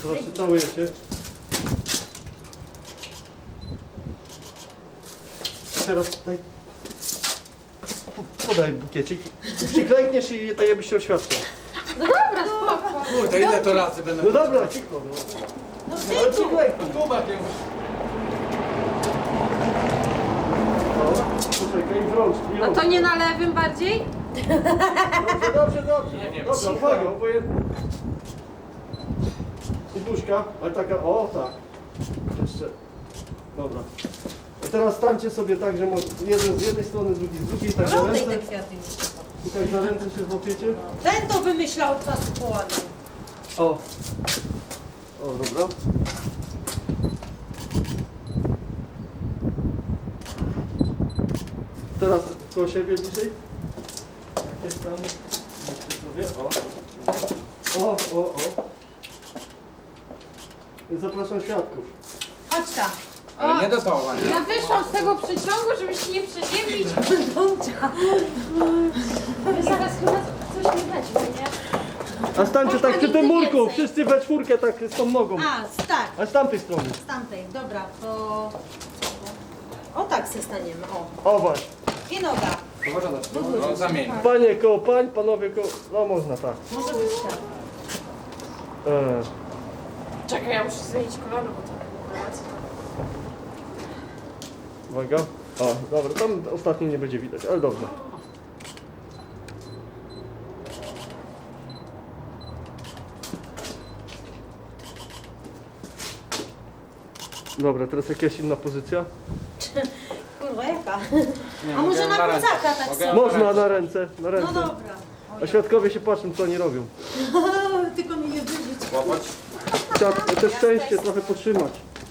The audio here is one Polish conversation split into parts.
Zobaczcie, całujecie. Teraz tutaj podaj bukiecik. Przyklękniesz i tak jakbyś się oświadczył. No dobra, spoko. Kurde, ile to razy będę... No dobra, cicho. No ale przyklęknij. Kubek już. No, poczekaj, w rączki. A to nie na lewym bardziej? Dobrze, dobrze. Nie wiem, Dobra, cicho. uwaga, obojętnie. I buźka, ale taka, o tak. Jeszcze. Dobra. I teraz stańcie sobie tak, że jeden z jednej strony, drugi z drugiej, tak na Oddaj ręce. te kwiaty. I tak na ręce się złapiecie. Ten to wymyślał czas połany. O. O, dobra. Teraz koło siebie bliżej. Jakieś tam. Sobie. O. O, o, o. Zapraszam świadków. Chodź tam. Ale nie do toła, nie? Ja wyszłam z tego przyciągu, żeby się nie przeziębić. Wy zaraz chyba coś mi weźmie, nie? A stańcie Można tak przy tym nigdy murku, więcej. wszyscy we czwórkę tak z tą nogą. Tak, A z tamtej strony. z tamtej. Dobra, to... O tak se staniemy, o. O właśnie. I noga. No zamień. Panie koło pań, panowie koło... No można tak. Może być tak. Czekaj, ja muszę zmienić kolor, bo to... Uwaga. O, dobra, tam ostatnio nie będzie widać, ale dobrze. Dobra, teraz jakaś inna pozycja? Kurwa, jaka? Nie, A może mogę na ręce. plecaka tak Mogę samo? Można na ręce, na No ręce. dobra. A świadkowie się patrzą, co oni robią. Tylko mi nie wyrzuć. Łapać. Trzeba te szczęście trochę podtrzymać.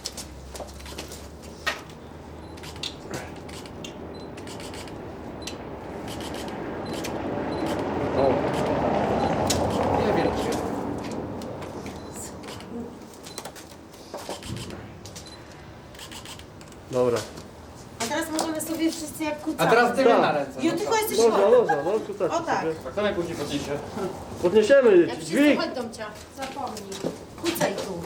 O, Nie wiem czy... dobra. A teraz możemy sobie wszyscy jak kucamy. A teraz ty mnie Tak. na ręce. Jo, no tylko co? jesteś Można, chory. można, no tutaj O tak. sobie. A kto najpóźniej podniesie? Podniesiemy, Jak wszyscy dźwig. chodź domcia. Zapomnij. Kucaj tu.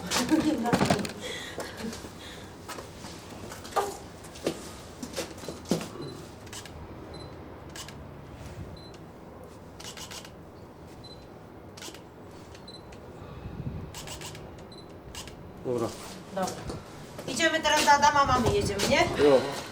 Dobra. Dobra. Idziemy teraz do Adama, mamy jedziemy, nie? Jo.